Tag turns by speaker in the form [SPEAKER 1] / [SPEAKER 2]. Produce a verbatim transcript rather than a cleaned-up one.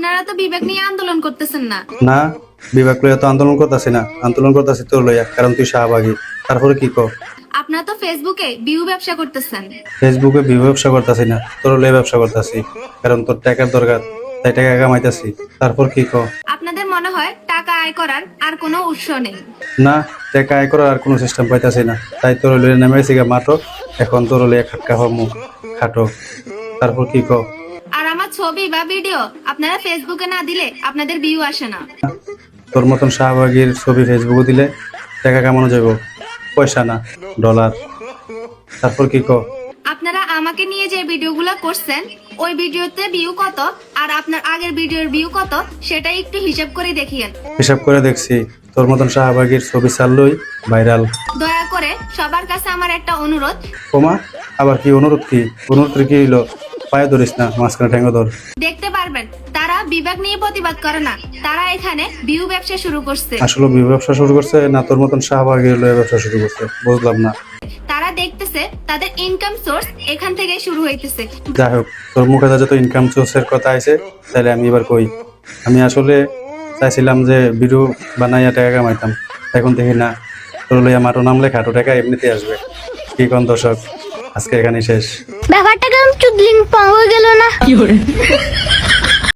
[SPEAKER 1] আপনারা তো বিবেক নিয়ে আন্দোলন করতেছেন না।
[SPEAKER 2] না, বিবেক লইয়া তো আন্দোলন করতেছি না, আন্দোলন করতেছি তোর লইয়া, কারণ তুই শাহবাগী। তারপরে কি কর?
[SPEAKER 1] আপনারা তো ফেসবুকে ভিউ ব্যবসা করতেছেন।
[SPEAKER 2] ফেসবুকে বিভব ব্যবসা করতেছি না, তোর লইয়া ব্যবসা করতেছি, কারণ তোর টাকার দরকার, তাই টাকা কামাইতেছি। তারপর কি কর?
[SPEAKER 1] আপনাদের মনে হয় টাকা আয় করার আর কোনো উৎস নেই।
[SPEAKER 2] না, টাকা আয় করার আর কোনো সিস্টেম পাইতেছি না, তাই তোর লইয়া নেমেছি গা মাঠো। এখন তোর লইয়া খাটকা হমু খাটো। তারপর কি কর?
[SPEAKER 1] আর আমার ছবি বা ভিডিও আপনারা ফেসবুকে না দিলে আপনাদের ভিউ আসে না।
[SPEAKER 2] তোর মতন শাহবাগীর ছবি ফেসবুকে দিলে টাকা কামানো যাব, পয়সা না ডলার। তারপর কি কর?
[SPEAKER 1] আপনারা আমাকে নিয়ে যে ভিডিওগুলো করছেন ওই ভিডিওতে ভিউ কত আর আপনার আগের ভিডিওর ভিউ কত সেটা একটু হিসাব করে দেখিয়েন।
[SPEAKER 2] হিসাব করে দেখছি, তোর মতন শাহবাগীর ছবি ছাড়লই ভাইরাল।
[SPEAKER 1] দয়া করে সবার কাছে আমার একটা অনুরোধ,
[SPEAKER 2] ওমা, আবার কি অনুরোধ? কি অনুরোধ কি হইলো? পায়ে ধরিস না, মাঝখানে ঠেঙ্গো ধর।
[SPEAKER 1] দেখতে পারবেন তারা বিবেক নিয়ে প্রতিবাদ করে না, তারা এখানে ভিউ ব্যবসা শুরু করছে।
[SPEAKER 2] আসলে বিয়ে ব্যবসা শুরু করছে না তোর মতন শাহবাগীর লয়ে ব্যবসা শুরু করছে, বুঝলাম না।
[SPEAKER 1] তারা দেখতেছে তাদের ইনকাম সোর্স এখান থেকে শুরু হইতেছে।
[SPEAKER 2] যাই হোক, তোর মুখে যত ইনকাম সোর্সের কথা আছে, তাহলে আমি এবার কই। আমি আসলে চাইছিলাম যে ভিডিও বানাইয়া টাকা কামাইতাম, এখন দেখি না, তোর লইয়া মাটো নামলে খাটো টাকা এমনিতে আসবে। কি কোন দর্শক, আজকে এখানেই শেষ।
[SPEAKER 3] ব্যাপারটা কেমন চুদলিং পাওয়া গেল না।